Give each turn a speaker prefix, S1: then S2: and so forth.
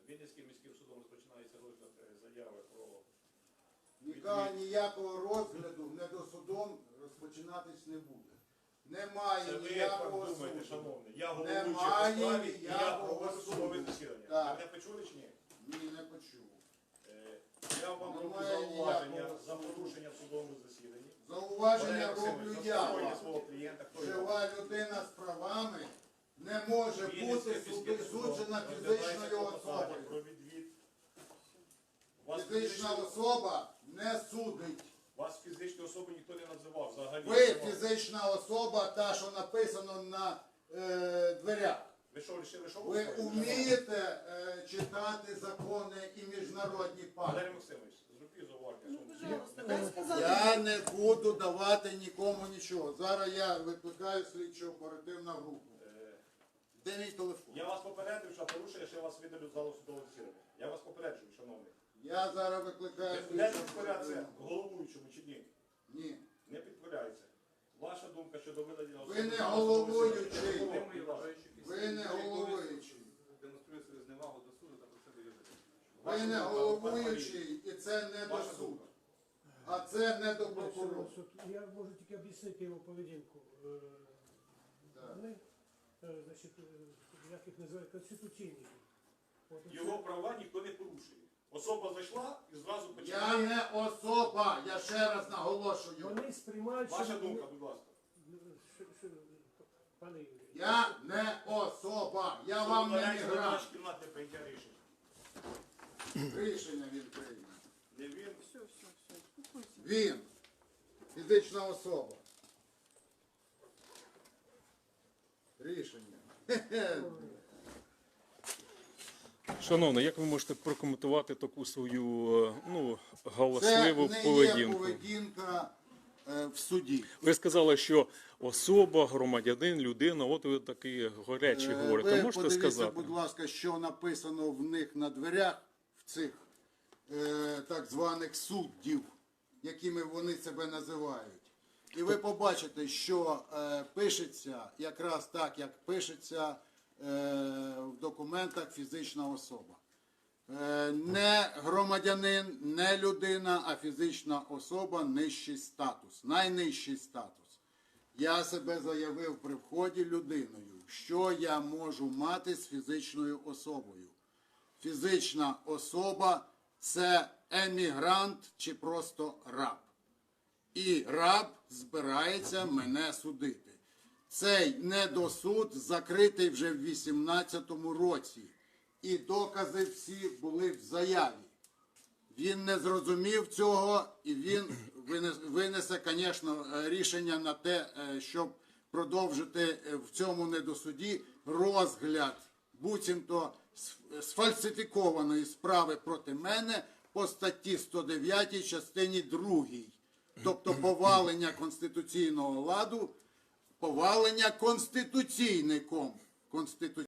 S1: Вінницьким міським судом розпочинається розгляд заяви про...
S2: Ніякого розгляду недосудом розпочинатись не буде. Немає
S1: Це ви
S2: ніякого
S1: так думаєте,
S2: суду.
S1: шановний. Я головуючий по
S2: Немає
S1: справі, і я
S2: ніякого
S1: проводжу
S2: суду.
S1: судове засідання.
S2: Так.
S1: Ви мене почули чи ні?
S2: Ні, не почув.
S1: Я вам роблю
S2: Немає
S1: зауваження
S2: ніякого
S1: за
S2: суду.
S1: порушення в судовому засіданні.
S2: Зауваження
S1: Валерій
S2: роблю
S1: Максимович,
S2: я
S1: заспокойте
S2: вам.
S1: свого клієнта, хто його?
S2: Жива людина з правами не може
S1: Вінницьке
S2: бути
S1: міське судом
S2: суджена
S1: розглядається
S2: фізичною
S1: клопотання
S2: особою.
S1: про відвід. Вас
S2: Фізична
S1: фізичну-
S2: особа не судить.
S1: Вас фізичну особу ніхто не називав взагалі.
S2: Ви фізична особа, та, що написано на дверях.
S1: Ви що, вирішили, що
S2: Ви
S1: хочете?
S2: вмієте читати закони і міжнародні
S1: Валерій
S2: пакти.
S1: Максимович, зробіть зауваження.
S3: Ну,
S1: своєму
S3: пожалуйста, дай сказати.
S2: Я не буду давати нікому нічого. Зараз я викликаю слідчо оперативну групу. Де мій телефон?
S1: Я вас попередив, що порушує, що я вас видалю з залу судового засідання. Я вас попереджую, шановний.
S2: Я зараз викликаю
S1: Ви не
S2: слідчо
S1: підкоряється
S2: оперативну.
S1: головуючому чи ні?
S2: Ні.
S1: Не підкоряється. Ваша думка щодо видалення
S2: Ви не
S1: залу судового
S2: головуючий.
S1: засідання.
S2: Ви не головуючий.
S4: Демонструє свою зневагу до суду та просити вижити.
S2: Ви не головуючий, і це не до
S1: Ваша
S2: суду.
S1: думка.
S2: А це не до прокурора.
S5: Я можу тільки об'яснити його поведінку.
S2: Так.
S5: Вони, значить, як їх називають, конституційники. От оце-
S1: Його права ніхто не порушує. Особа зайшла і зразу
S2: Я
S1: починає.
S2: не особа, я ще раз наголошую.
S5: Вони сприймають,
S1: Ваша
S5: що-
S1: думка, будь ласка.
S5: що- пане Юрій.
S2: Я не особа, я вам не
S1: Виконується
S2: мігрант.
S1: наш кімнатне прийняття рішення.
S2: Рішення він прийме.
S1: Не він.
S3: Все, все, все, успокойся.
S2: Він. Фізична особа. Рішення. Хе-хе.
S6: Шановний, як ви можете прокоментувати таку свою ну,
S2: Це
S6: галасливу
S2: не є
S6: поведінку?
S2: поведінка в суді.
S6: Ви сказали, що особа, громадянин, людина, от ви такі горячі говорите.
S2: Ви
S6: Можете
S2: подивіться,
S6: сказати?
S2: будь ласка, що написано в них на дверях, в цих так званих суддів, якими вони себе називають. І ви побачите, що пишеться якраз так, як пишеться в документах фізична особа. Не громадянин, не людина, а фізична особа – нижчий статус, найнижчий статус. Я себе заявив при вході людиною, що я можу мати з фізичною особою. Фізична особа – це емігрант чи просто раб. І раб збирається мене судити. Цей недосуд закритий вже в 18-му році. І докази всі були в заяві. Він не зрозумів цього, і він винесе, звісно, рішення на те, щоб продовжити в цьому недосуді розгляд буцімто сфальсифікованої справи проти мене по статті 109 частині 2. Тобто повалення конституційного ладу, повалення конституційником